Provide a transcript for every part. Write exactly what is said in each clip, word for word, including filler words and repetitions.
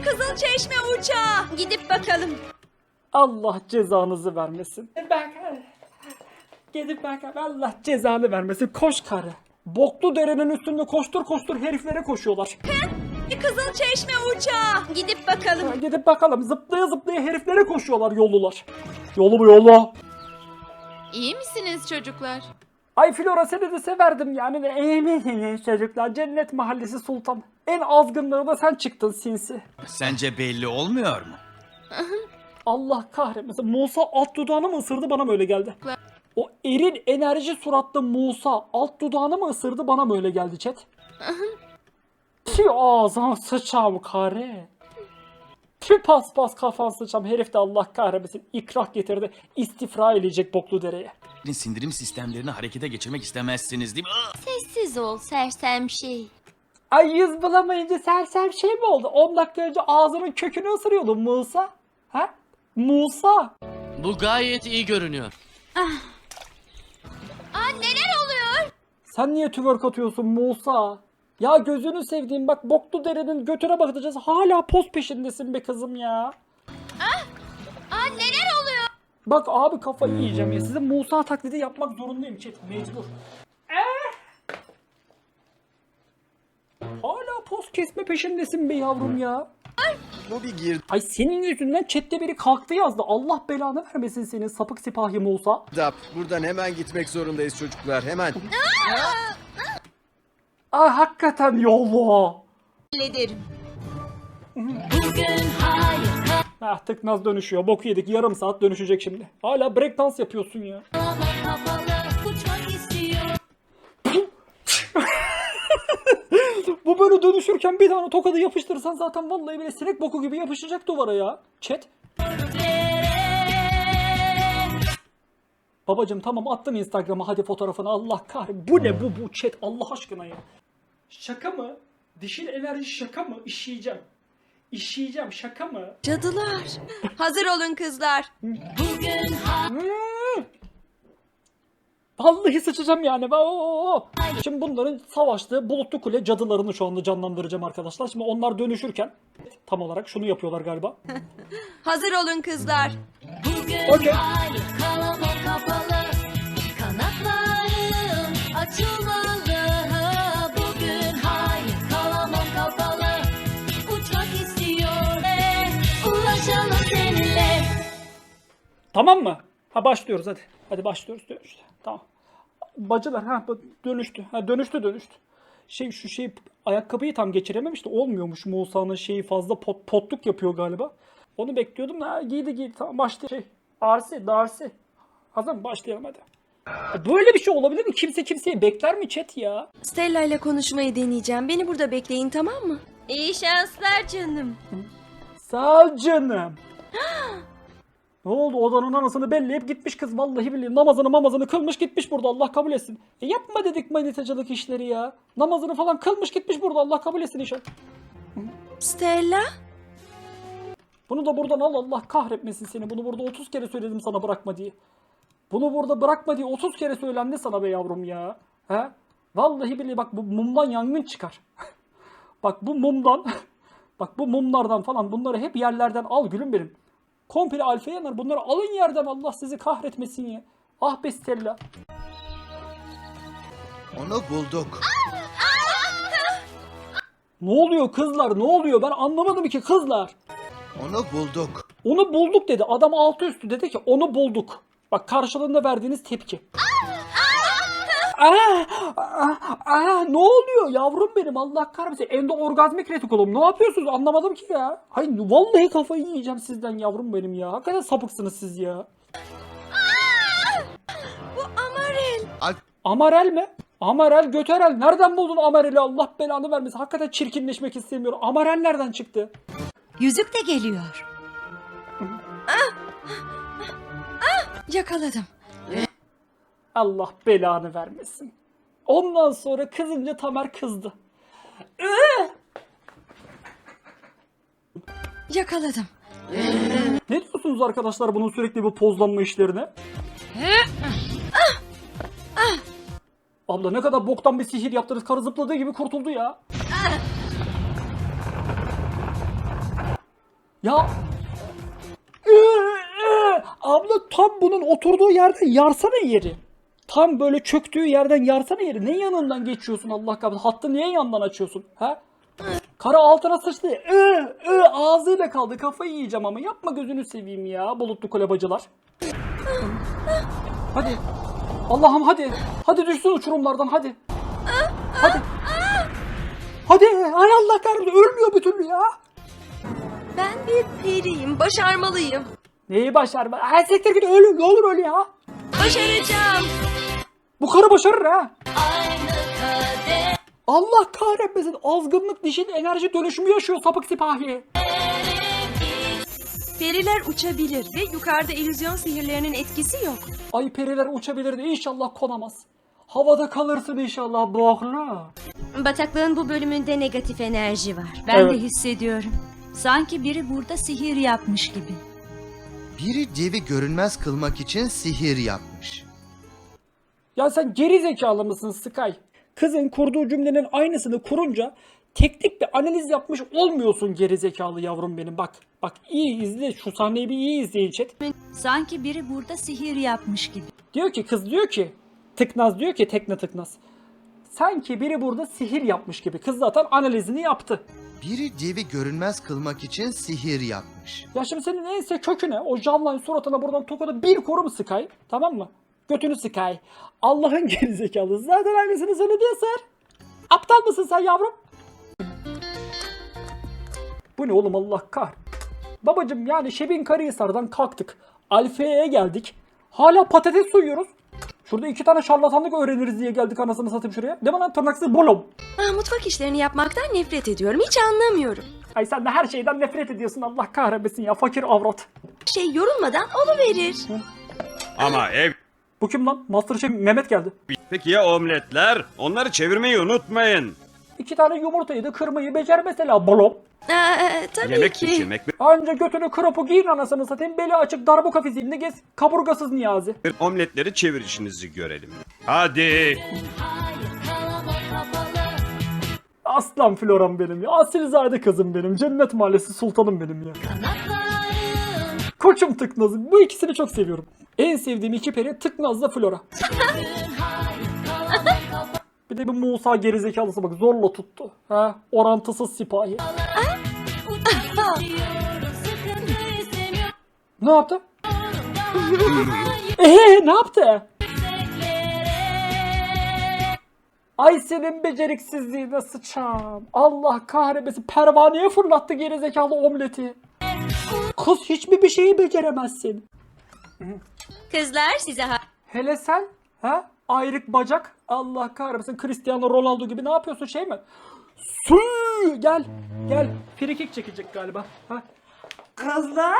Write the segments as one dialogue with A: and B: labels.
A: Kızılçeşme uçağı. Gidip bakalım.
B: Allah cezanızı vermesin. Bak. Gidip bak. Allah cezanı vermesin. Koş karı. Boklu derenin üstünde koştur koştur heriflere koşuyorlar.
A: Kızılçeşme uçağı. Gidip bakalım.
B: Ha, gidip bakalım. Zıplaya zıplaya heriflere koşuyorlar yollular. Yolu mu yolu?
C: İyi misiniz çocuklar?
B: Ay Flora seni de severdim yani. Emin çocuklar. Cennet Mahallesi Sultan. En azgınları da sen çıktın sinsi.
D: Sence belli olmuyor mu?
B: Allah kahretmesin. Musa alt dudağını mı ısırdı bana mı öyle geldi? O erin enerji suratlı Musa alt dudağını mı ısırdı bana mı öyle geldi chat? Tüh ağzına sıçam kare. Tüh pas pas kafan sıçam. Herif de Allah kahretmesin. İkrah getirdi. İstifra edecek boklu dereye.
D: Sindirim sistemlerini harekete geçirmek istemezsiniz değil mi? Aa!
C: Sessiz ol sersem şey.
B: Ay yüz bulamayınca sersem şey mi oldu? on dakika önce ağzının kökünü ısırıyordun Musa. Ha? Musa.
E: Bu gayet iyi görünüyor.
C: Aa neler oluyor?
B: Sen niye twerk atıyorsun Musa? Ya gözünü sevdiğim bak boklu derenin götüne bakacağız. Hala poz peşindesin be kızım ya.
C: Aa neler oluyor?
B: Bak abi kafayı yiyeceğim ya. Size Musa taklidi yapmak zorundayım chat. Mecbur. Eh! Hala poz kesme peşindesin be yavrum ya.
D: Bu bir gir.
B: Ay senin yüzünden chatte biri kalktı yazdı. Allah belanı vermesin senin sapık sipahi Musa.
F: Dap, buradan hemen gitmek zorundayız çocuklar, hemen.
B: Ay hakikaten yollu.
A: Hallederim.
B: Ah tıknaz dönüşüyor. Boku yedik. Yarım saat dönüşecek şimdi. Hala breakdance yapıyorsun ya. Bu böyle dönüşürken bir tane tokadı yapıştırırsan zaten vallahi bile sinek boku gibi yapışacak duvara ya. Chat. Babacım tamam attım Instagram'a hadi fotoğrafını Allah kahretsin. Bu ne bu bu chat Allah aşkına ya. Şaka mı? Dişil enerji şaka mı? İşeyeceğim. İşeyeceğim şaka mı?
A: Cadılar. Hazır olun kızlar.
B: Hmm. Vallahi sıçacağım yani. Oo. Şimdi bunların savaştığı bulutlu kule cadılarını şu anda canlandıracağım arkadaşlar. Şimdi onlar dönüşürken tam olarak şunu yapıyorlar galiba.
A: Hazır olun kızlar.
B: Okey.
C: Kalamam kapalı, kanatlarım açılmalı. Bugün hayır kalamam kapalı, uçmak istiyor ve ulaşalım seninle.
B: Tamam mı? Ha başlıyoruz hadi. Hadi başlıyoruz dönüştü. Tamam. Bacılar ha bu dönüştü. Ha dönüştü dönüştü. Şey şu şey ayakkabıyı tam geçirememiş de olmuyormuş Musa'nın şeyi fazla pot, potluk yapıyor galiba. Onu bekliyordum. Ha giydi giydi. Tamam başlayalım. Şey Darcy, Darcy. Hazır mı? Başlayalım hadi. Böyle bir şey olabilir mi? Kimse kimseyi bekler mi chat ya?
A: Stella ile konuşmayı deneyeceğim. Beni burada bekleyin tamam mı? İyi şanslar canım.
B: Sağ ol canım. Ne oldu odanın anasını belleyip gitmiş kız vallahi billahi namazını mamazını kılmış gitmiş burada Allah kabul etsin. E yapma dedik manitacılık işleri ya. Namazını falan kılmış gitmiş burada Allah kabul etsin inşallah.
A: Stella?
B: Bunu da buradan al Allah kahretmesin seni. Bunu burada otuz kere söyledim sana bırakma diye. Bunu burada bırakma diye otuz kere söylendi sana be yavrum ya. He? Vallahi billahi bak bu mumdan yangın çıkar. Bak bu mumdan bak bu mumlardan falan bunları hep yerlerden al gülüm benim. Komple alfa yanar. Bunları alın yerden Allah sizi kahretmesin ya. Ah be Stella.
F: Onu bulduk.
B: Ne oluyor kızlar? Ne oluyor? Ben anlamadım ki kızlar.
F: Onu bulduk.
B: Onu bulduk dedi. Adam altı üstü dedi ki onu bulduk. Bak karşılığında verdiğiniz tepki. Aa, aa, aa, ne oluyor yavrum benim Allah kahretsin. Endoorgazmik retikulum. Ne yapıyorsunuz? Anlamadım ki ya. Hayır vallahi kafayı yiyeceğim sizden yavrum benim ya. Hakikaten sapıksınız siz ya.
A: Bu Amarel.
F: Alp,
B: Amarel mi? Amarel göterel. Nereden buldun Amarel'i? Allah belanı vermesin. Hakikaten çirkinleşmek istemiyorum. Amarel nereden çıktı?
A: Yüzük de geliyor. Ah! Ah! Yakaladım.
B: Allah belanı vermesin. Ondan sonra kızınca Tamer kızdı.
A: Yakaladım.
B: Ne diyorsunuz arkadaşlar bunun sürekli bu pozlanma işlerine? Abla ne kadar boktan bir sihir yaptınız. Karı zıpladığı gibi kurtuldu ya. Ya. Ee, ee. Abla tam bunun oturduğu yerden yarsana yeri. Tam böyle çöktüğü yerden yarsana yeri. Ne yanından geçiyorsun Allah kahretsin? Hattı niye yandan açıyorsun? Ha? Kara altına sıçtı. Ee, ee, ağzıyla kaldı. Kafayı yiyeceğim ama. Yapma gözünü seveyim ya bulutlu kolebacılar. Hadi. Allah'ım hadi. Hadi düşsün uçurumlardan hadi. Hadi. Hadi. Ay Allah kahretsin. Ölmüyor bir türlü ya.
A: Ben bir periyim. Başarmalıyım.
B: Neyi başarma? Ay siktir git ölü. Ne olur öyle ya.
A: Başaracağım.
B: Bu karı başarır ha.
C: Aynı kader.
B: Allah kahretmesin. Azgınlık dişin enerji dönüşümü yaşıyor sapık sipahi.
A: Periler uçabilir ve yukarıda illüzyon sihirlerinin etkisi yok.
B: Ay periler uçabilir de inşallah konamaz. Havada kalırsın inşallah boğla.
A: Bataklığın bu bölümünde negatif enerji var. Ben
B: Evet.
A: de hissediyorum.
G: Sanki biri burada sihir yapmış gibi.
F: Biri devi görünmez kılmak için sihir yapmış.
B: Ya sen geri zekalı mısın Sky? Kızın kurduğu cümlenin aynısını kurunca teknik bir analiz yapmış olmuyorsun geri zekalı yavrum benim. Bak bak iyi izle şu sahneyi bir iyi izleyin chat.
G: Sanki biri burada sihir yapmış gibi.
B: Diyor ki kız diyor ki tıknaz diyor ki tekne tıknaz. Sanki biri burada sihir yapmış gibi. Kız zaten analizini yaptı.
F: Biri devi görünmez kılmak için sihir yapmış.
B: Ya şimdi senin ense köküne o Canline suratına buradan tokada bir korum Sky. Tamam mı? Götünü Sky. Allah'ın gerizekalısı. Zaten aynısını söyledi ya Ser. Aptal mısın sen yavrum? Bu ne oğlum Allah kah. Babacım yani Şebin Karahisar'dan kalktık. Alfe'ye geldik. Hala patates soyuyoruz. Şurada iki tane şarlatanlık öğreniriz diye geldik anasını satayım şuraya. Değil mi lan tırnaksız bolom.
A: Ah, mutfak işlerini yapmaktan nefret ediyorum. Hiç anlamıyorum.
B: Ay sen de her şeyden nefret ediyorsun Allah kahretmesin ya fakir avrat.
A: Şey yorulmadan oluverir.
H: Ama ev...
B: Bu kim lan? Masterchef Mehmet geldi.
H: Peki ya omletler? Onları çevirmeyi unutmayın.
B: İki tane yumurtayı da kırmayı becer mesela bolom.
A: Aa, tabii
H: Yemek
A: ki.
H: pişirmek ve
B: Anca götünü kıropu giyin anasını satayım. Beli açık darbuka fiziğinde gez. Kaburgasız Niyazi.
H: omletleri çevirişinizi görelim. Hadi.
C: Hayır kalamam kapalı.
B: Aslan Floram benim ya. Asilzade kızım benim. Cennet Mahallesi sultanım benim ya.
C: Kanatlarım.
B: Koçum Tıknaz'ım. Bu ikisini çok seviyorum. En sevdiğim iki peri Tıknaz'la Flora.
C: Hayır kalamam kapalı.
B: Bir de bir Musa gerizekalısı bak zorla tuttu. Ha? Orantısız sipahi.
C: Uçmak istiyorum. Sıkıntı istemiyorum.
B: Ne yaptı?
C: Hayır
B: Eee ne yaptı?
C: yükseklere.
B: Ay senin beceriksizliğine sıçam. Allah kahretmesin. Pervaneye fırlattı gerizekalı omleti. Kız hiç mi bir şeyi beceremezsin?
A: Kızlar size ha-
B: Hele sen ha? Ayrık bacak. Allah kahretsin Cristiano Ronaldo gibi ne yapıyorsun şey mi? Su gel. Gel. Frikik çekecek galiba. Ha? Kızlar.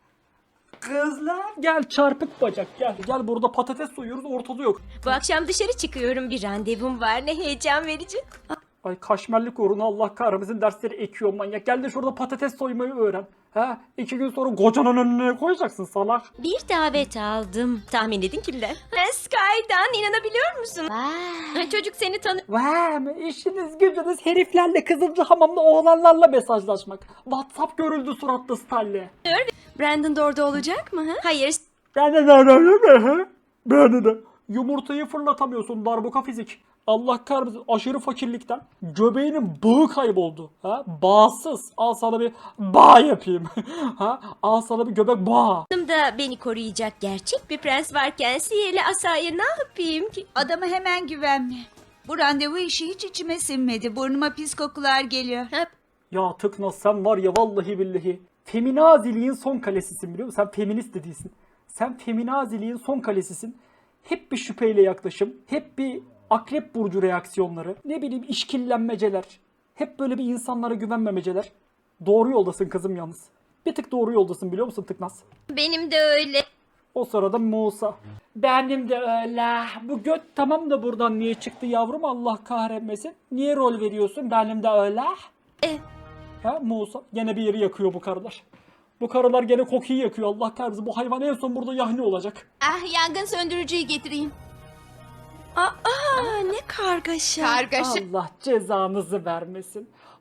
B: Kızlar. Gel çarpık bacak gel. Gel burada patates soyuyoruz ortada yok.
A: Bu akşam dışarı çıkıyorum. Bir randevum var. Ne heyecan verici.
B: Ay kaşmerlik uğruna Allah kahretmesin dersleri ekiyor manyak. Gel de şurada patates soymayı öğren. Ha? İki gün sonra kocanın önüne koyacaksın salak.
A: Bir davet aldım. Tahmin edin kimden? Ha, Sky'dan inanabiliyor musun? Ha, çocuk seni tanı...
B: Vay işiniz gücünüz heriflerle kızılcı hamamda oğlanlarla mesajlaşmak. WhatsApp görüldü suratlı Stanley.
A: Brandon da orada olacak mı? Ha? Hayır.
B: Ben de de Ben de yumurtayı fırlatamıyorsun darbuka fizik. Allah kahretsin aşırı fakirlikten göbeğinin bağı kayboldu. Ha? Bağsız. Al sana bir bağ yapayım. ha? Al sana bir göbek bağ.
A: da beni koruyacak gerçek bir prens varken sihirli asaya ne yapayım ki?
G: Adama hemen güvenme. Bu randevu işi hiç içime sinmedi. Burnuma pis kokular geliyor.
A: Ha,
B: Ya Tıknaz sen var ya vallahi billahi. Feminaziliğin son kalesisin biliyor musun? Sen feminist de değilsin. Sen feminaziliğin son kalesisin. Hep bir şüpheyle yaklaşım. Hep bir akrep burcu reaksiyonları. Ne bileyim işkillenmeceler. Hep böyle bir insanlara güvenmemeceler. Doğru yoldasın kızım yalnız. Bir tık doğru yoldasın biliyor musun Tıknaz?
A: benim de öyle.
B: O sırada Musa. Benim de öyle. Bu göt tamam da buradan niye çıktı yavrum Allah kahretmesin. Niye rol veriyorsun? Benim de öyle.
A: E,
B: Ha Musa gene bir yeri yakıyor bu karılar. Bu karılar gene kokuyu yakıyor Allah kahretsin. Bu hayvan en son burada yahni olacak.
A: ah yangın söndürücüyü getireyim. Aa, ne kargaşa.
B: Allah cezanızı vermesin.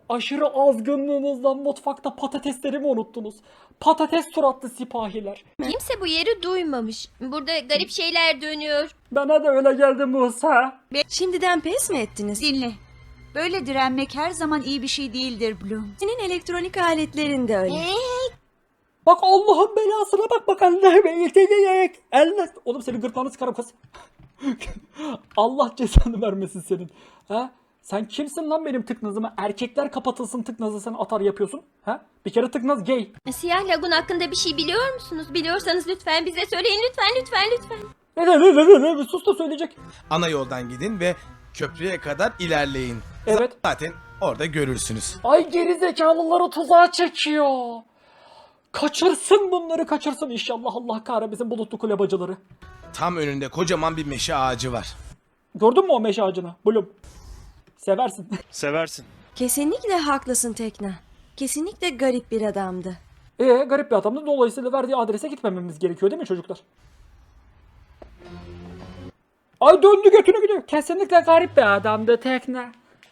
B: Aşırı azgınlığınızdan mutfakta patateslerimi unuttunuz. Patates suratlı sipahiler.
A: Kimse bu yeri duymamış. Burada garip şeyler dönüyor.
B: Bana da öyle geldi Musa.
A: Şimdiden pes mi ettiniz?
G: Dinle. Böyle direnmek her zaman iyi bir şey değildir Bloom.
A: Senin elektronik aletlerin de öyle.
B: Bak Allah'ın belasına bak bak Allah'ım eğitecek. Allah. Oğlum senin gırtlağını sıkarım kız. Allah cezanı vermesin senin. Ha? Sen kimsin lan benim tıknazıma? Erkekler kapatılsın tıknazı sen atar yapıyorsun. Ha? Bir kere tıknaz gay.
A: Siyah lagun hakkında bir şey biliyor musunuz? Biliyorsanız lütfen bize söyleyin. Lütfen lütfen lütfen.
B: Ne ne ne ne ne ne sus da söyleyecek.
I: Ana yoldan gidin ve köprüye kadar ilerleyin.
B: Evet.
I: Zaten orada görürsünüz.
B: Ay gerizekalıları tuzağa çekiyor. Kaçırsın bunları kaçırsın inşallah Allah kahretmesin bulutlu kule bacıları.
I: Tam önünde kocaman bir meşe ağacı var.
B: Gördün mü o meşe ağacını? Bloom. Seversin.
H: Seversin.
A: Kesinlikle haklısın Tekna. Kesinlikle garip bir adamdı.
B: Ee garip bir adamdı. Dolayısıyla verdiği adrese gitmememiz gerekiyor değil mi çocuklar? Ay döndü götünü gidiyor. Kesinlikle garip bir adamdı Tekna.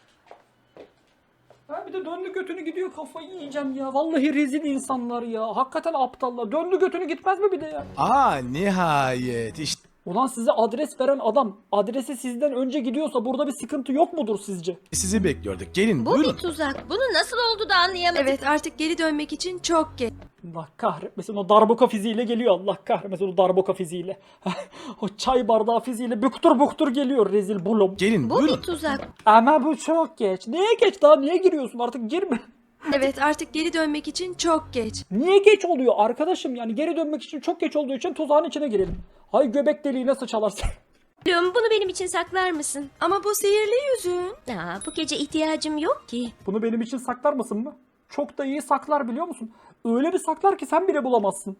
B: Ha bir de döndü götünü gidiyor kafayı yiyeceğim ya. Vallahi rezil insanlar ya. Hakikaten aptallar. Döndü götünü gitmez mi bir de ya?
I: Aa nihayet işte.
B: Ulan size adres veren adam adresi sizden önce gidiyorsa burada bir sıkıntı yok mudur sizce?
I: Sizi bekliyorduk. Gelin
A: Bu
I: buyurun.
A: bir tuzak. Bunu nasıl oldu da anlayamadık. Evet artık geri dönmek için çok geç.
B: Allah kahretmesin o darbuka fiziğiyle geliyor Allah kahretmesin o darbuka fiziğiyle. O çay bardağı fiziğiyle büktur büktur geliyor rezil bulum.
I: Gelin
A: Bu
I: buyurun.
A: bir tuzak.
B: Ama bu çok geç. Niye geç daha niye giriyorsun artık girme.
A: Evet artık geri dönmek için çok geç.
B: Niye geç oluyor arkadaşım yani geri dönmek için çok geç olduğu için tuzağın içine girelim. Hay göbek deliğine sıçalarsın.
A: Bloom bunu benim için saklar mısın? Ama bu sihirli yüzüğün. Aa, bu gece ihtiyacım yok ki.
B: Bunu benim için saklar mısın mı? Çok da iyi saklar biliyor musun? Öyle bir saklar ki sen bile bulamazsın.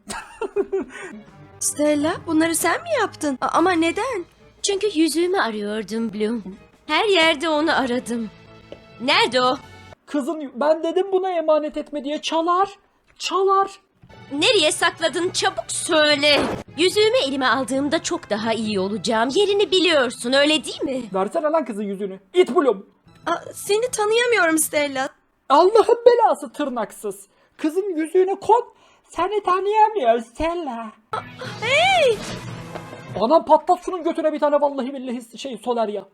A: Stella bunları sen mi yaptın? A- ama neden? Çünkü yüzüğümü arıyordum Bloom. Her yerde onu aradım. Nerede o?
B: Kızın ben dedim buna emanet etme diye çalar. Çalar.
A: Nereye sakladın çabuk söyle. Yüzüğümü elime aldığımda çok daha iyi olacağım. Yerini biliyorsun öyle değil mi?
B: Versene lan kızın yüzünü. İt bulum.
A: Aa, seni tanıyamıyorum Stella.
B: Allah'ın belası tırnaksız. Kızın yüzüğüne kon. Seni tanıyamıyor Stella.
A: Hey!
B: Anam patlat şunun götüne bir tane vallahi billahi şey Solerya.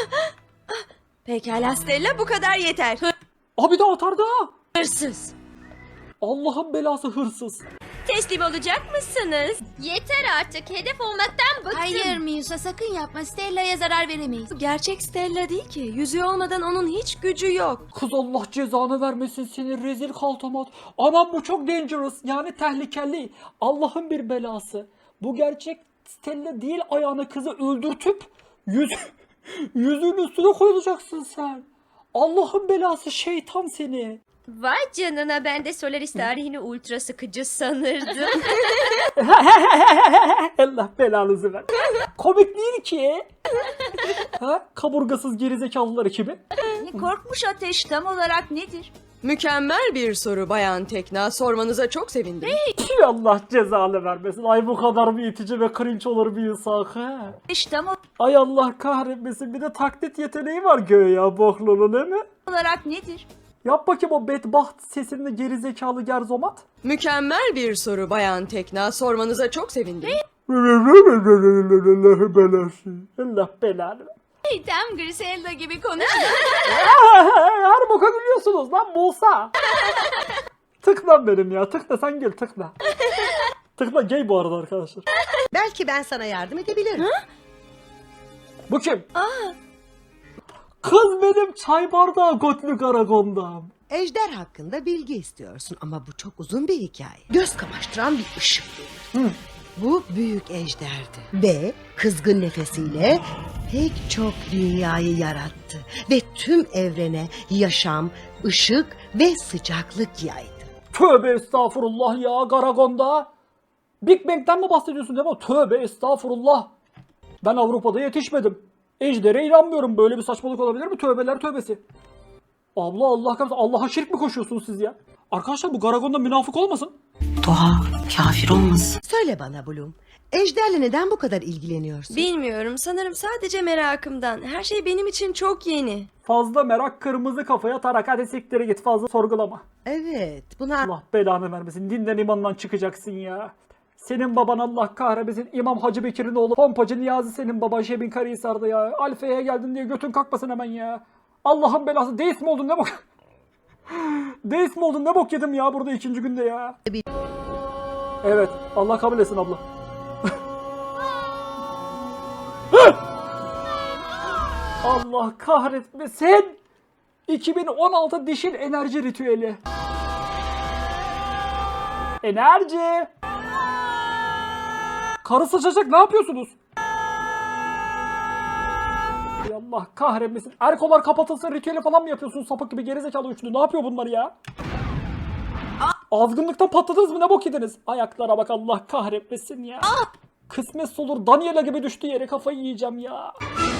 A: Pekala Stella bu kadar yeter.
B: Abi de atar da.
A: Hırsız.
B: Allah'ın belası hırsız.
A: Teslim olacak mısınız? Yeter artık hedef olmaktan bıktım.
C: Hayır Musa sakın yapma. Stella'ya zarar veremeyiz.
A: Gerçek Stella değil ki. Yüzüğü olmadan onun hiç gücü yok.
B: Kız Allah cezanı vermesin seni rezil kaltamat. Anam bu çok dangerous yani tehlikeli. Allah'ın bir belası. Bu gerçek Stella değil ayağına kızı öldürtüp yüz, yüzüğün üstüne koyulacaksın sen. Allah'ın belası şeytan seni.
A: Vay canına ben de Solaris tarihini ultra sıkıcı sanırdım.
B: Allah belanızı ver. Komik değil ki. Ha? Kaburgasız gerizekalılar ekibi.
G: Korkmuş ateş tam olarak nedir?
J: Mükemmel bir soru Bayan Tekna. Sormanıza çok sevindim.
B: Tüh, Allah cezanı vermesin. Ay bu kadar bir itici ve cringe olur bir insan. Ha?
G: Ateş tam
B: Ay Allah kahretmesin. Bir de taklit yeteneği var göğe bohlulu değil mi?
G: olarak nedir?
B: Yap bakayım o bedbaht sesinde gerizekalı gerzomat.
J: Mükemmel bir soru Bayan Tekna. Sormanıza çok sevindim.
B: Allah belası. Allah belanı.
C: Tam Griselda gibi konuş.
B: Her boka gülüyorsunuz lan Musa. Tıkla benim ya. Tıkla sen gel tıkla. Tıkla gay bu arada arkadaşlar.
K: Belki ben sana yardım edebilirim.
B: Bu kim? Kız benim çay bardağı Gotlu Karagon'dan.
K: Ejder hakkında bilgi istiyorsun ama bu çok uzun bir hikaye. Göz kamaştıran bir ışık verir. Bu büyük ejderdi ve kızgın nefesiyle pek çok dünyayı yarattı ve tüm evrene yaşam, ışık ve sıcaklık yaydı.
B: Tövbe estağfurullah ya Karagon'da. Big Bang'den mi bahsediyorsun değil mi? Tövbe estağfurullah. Ben Avrupa'da yetişmedim. Ejder'e inanmıyorum. Böyle bir saçmalık olabilir mi? Tövbeler tövbesi. Abla Allah kahretsin. Allah'a şirk mi koşuyorsunuz siz ya? Arkadaşlar bu Karagon'da münafık olmasın.
K: Doğa kafir olmasın. Söyle bana Bloom. Ejderle neden bu kadar ilgileniyorsun?
A: Bilmiyorum. Sanırım sadece merakımdan. Her şey benim için çok yeni.
B: Fazla merak kırmızı kafaya tarak. Hadi siktir git, fazla sorgulama.
K: Evet, buna
B: Allah belanı vermesin. Dinden imandan çıkacaksın ya. Senin baban Allah kahretmesin. İmam Hacı Bekir'in oğlu. Pompacı Niyazi senin baban Şebin Karahisar'da ya. Alfa'ya geldin diye götün kalkmasın hemen ya. Allah'ın belası. Deist mi oldun ne bok? Deist mi oldun ne bok yedim ya burada ikinci günde ya. Evet. Allah kabul etsin abla. Allah kahretmesin. iki bin on altı dişil enerji ritüeli. Enerji. Karı sıçacak, ne yapıyorsunuz? Ay Allah kahretmesin. Erkolar kapatılsın ritüeli falan mı yapıyorsunuz? Sapık gibi gerizekalı üçlü. Ne yapıyor bunlar ya? Azgınlıktan patladınız mı? Ne bok yediniz? Ayaklara bak, Allah kahretmesin ya. Kısmet olur. Daniela gibi düştü yere, kafayı yiyeceğim ya.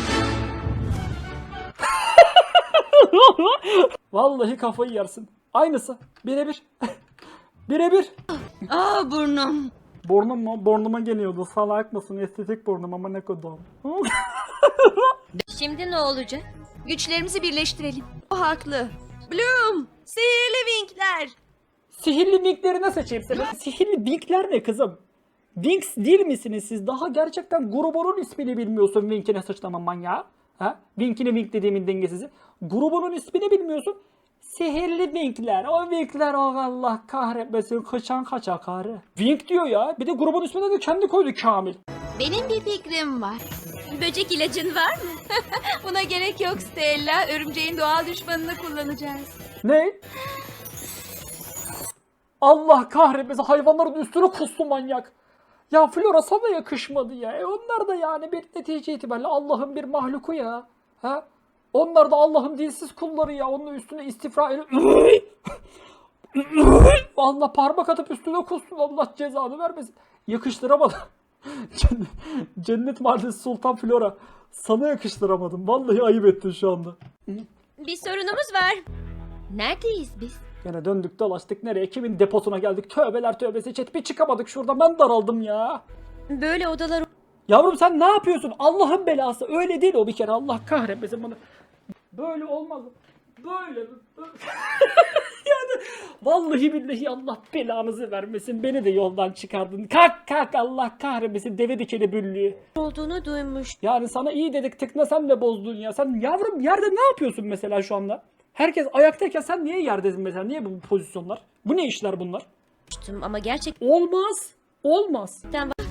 B: Vallahi kafayı yersin. Aynısı. Birebir. Birebir.
C: Aa burnum.
B: Burnum mu? Burnuma geliyordu. Salak mısın? Estetik burnum ama ne kadar.
A: Şimdi ne olacak?
C: Güçlerimizi birleştirelim.
A: O haklı. Bloom! Sihirli vinkler!
B: Sihirli winkleri ne seçeyim seni? Sihirli winkler ne kızım? Winx değil misiniz siz? Daha gerçekten grubunun ismini bilmiyorsun Wink'ine sıçtama manyağı. Ha? Wink'ine Wink dediğimin dengesizi. Grubunun ismini bilmiyorsun. Sihirli Winkler. O Winkler o Allah kahretmesin. Kaçan kaçak karı. Wink diyor ya. Bir de grubun ismini de kendi koydu Kamil.
C: Benim bir fikrim var.
A: Böcek ilacın var mı?
C: Buna gerek yok Stella. Örümceğin doğal düşmanını kullanacağız.
B: Ne? Allah kahretmesin, hayvanların üstüne kustu manyak. Ya Flora sana yakışmadı ya. E onlar da yani bir netice itibariyle Allah'ın bir mahluku ya. Ha? Onlar da Allah'ın dilsiz kulları ya. Onun üstüne istifra edip Allah parmak atıp üstüne kustun. Allah cezanı vermesin. Yakıştıramadım. Cennet, Cennet Mahallesi Sultan Flora. Sana yakıştıramadım. Vallahi ayıp ettin şu anda.
A: Bir sorunumuz var. Neredeyiz biz?
B: Yine döndük dolaştık nereye? Kimin deposuna geldik? Tövbeler tövbesi çet, bir çıkamadık şuradan. Ben daraldım ya.
A: Böyle odalar...
B: Yavrum sen ne yapıyorsun? Allah'ın belası. Öyle değil o bir kere. Allah kahretmesin bunu. Böyle olmaz. Böyle. Yani vallahi billahi Allah belanızı vermesin. Beni de yoldan çıkardın. Kalk kalk, Allah kahretmesin. Deve dikeni büllüğü.
A: olduğunu duymuş.
B: Yani sana iyi dedik, tıkna sen de bozdun ya. Sen yavrum yerde ne yapıyorsun mesela şu anda? Herkes ayaktayken sen niye yerdesin mesela? Niye bu pozisyonlar? Bu ne işler bunlar?
A: Ama gerçekten
B: Olmaz. Olmaz.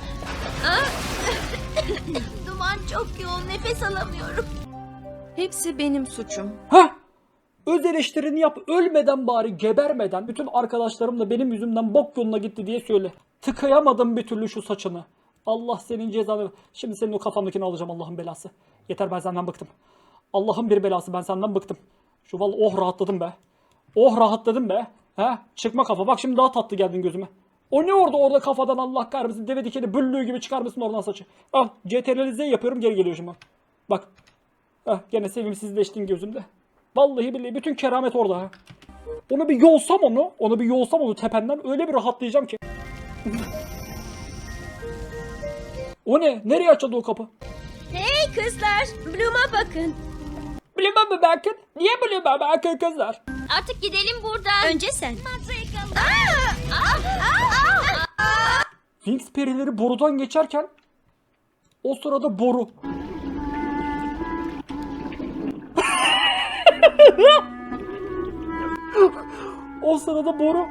C: Duman çok yoğun, nefes alamıyorum.
A: hepsi benim suçum.
B: Hah! Öz eleştirini yap. Ölmeden bari, gebermeden. Bütün arkadaşlarım da benim yüzümden bok yoluna gitti diye söyle. Tıkayamadım bir türlü şu saçını. Allah senin cezanı. Şimdi senin o kafandakini alacağım, Allah'ın belası. Yeter, ben senden bıktım. Allah'ın bir belası, ben senden bıktım. Şu vallahi oh rahatladım be. Oh rahatladım be. He? Çıkma kafa. Bak şimdi daha tatlı geldin gözüme. O ne orada orada kafadan Allah kahretsin. Deve dikeni büllüğü gibi çıkar mısın oradan saçı? Al C T R L Z yapıyorum, geri geliyor şimdi. Bak. Heh, gene sevimsizleştin gözümde. Vallahi billahi bütün keramet orada ha. Onu bir yolsam onu. Onu bir yolsam onu tependen öyle bir rahatlayacağım ki. O ne? Nereye açıldı o kapı?
A: Hey kızlar, Bloom'a bakın.
B: Bloom'a mı bakın? Niye Bloom'a bakın kızlar?
A: Artık gidelim buradan. Önce sen.
B: Winx perileri borudan geçerken o sırada boru. O sırada boru.